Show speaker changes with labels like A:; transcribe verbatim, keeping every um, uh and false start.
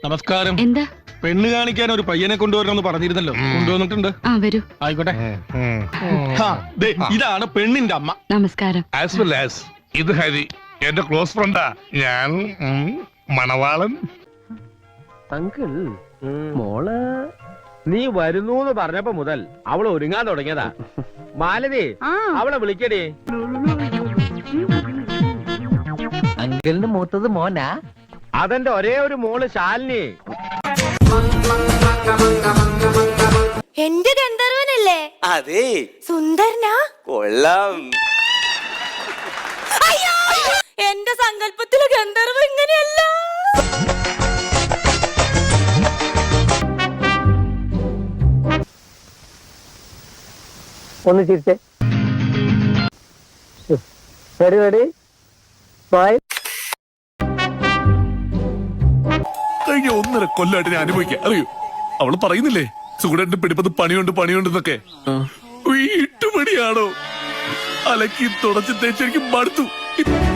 A: നമസ്കാരം.
B: എന്താ?
A: പെണ്ണ് കാണിക്കാൻ ഒരു പയ്യനെ കൊണ്ടുവരണമെന്ന് പറഞ്ഞിരുന്നല്ലോ. കൊണ്ടുവന്നിട്ടുണ്ട്.
B: ആ വരൂ.
A: ആയിക്കോട്ടെ. ഇതാണ് പെണ്ണിന്റെ അമ്മ.
B: നമസ്കാരം.
C: ആസ് വെൽ ആസ് ഇത് ഹരി, എന്റെ ക്ലോസ് ഫ്രണ്ടാ. ഞാൻ മണവാളൻ.
D: അങ്കിൾ, മോള് നീ വരുന്നു പറഞ്ഞപ്പോ മുതൽ അവള് ഒരുങ്ങാൻ തുടങ്ങിയതാ. മാലതി, അവളെ വിളിക്കടി.
E: അങ്കിളിന് മൂത്തത് മോനാ?
D: അതെന്റെ ഒരേ ഒരു മോള് ശാലിനി.
F: എന്റെ ഗന്ധർവനല്ലേ?
G: അതെ.
F: സുന്ദരനാ?
G: കൊള്ളാം.
F: അയ്യോ, എന്റെ സങ്കല്പത്തിലെ ഗന്ധർവ ഇങ്ങനെയല്ല.
E: ഒന്ന് ചിരിച്ചേ. Ready ready by.
C: കഴിഞ്ഞ ഒന്നര കൊല്ലായിട്ട് ഞാൻ അനുഭവിക്കാം, അറിയൂ. അവള് പറയുന്നില്ലേ സുഗുണന്റെ പിടിപ്പത് പണിയുണ്ട് പണിയുണ്ടെന്നൊക്കെ. വീട്ടുപണിയാണോ? അലക്കി തുടച്ച് തേച്ച് എനിക്ക് മടുത്തു.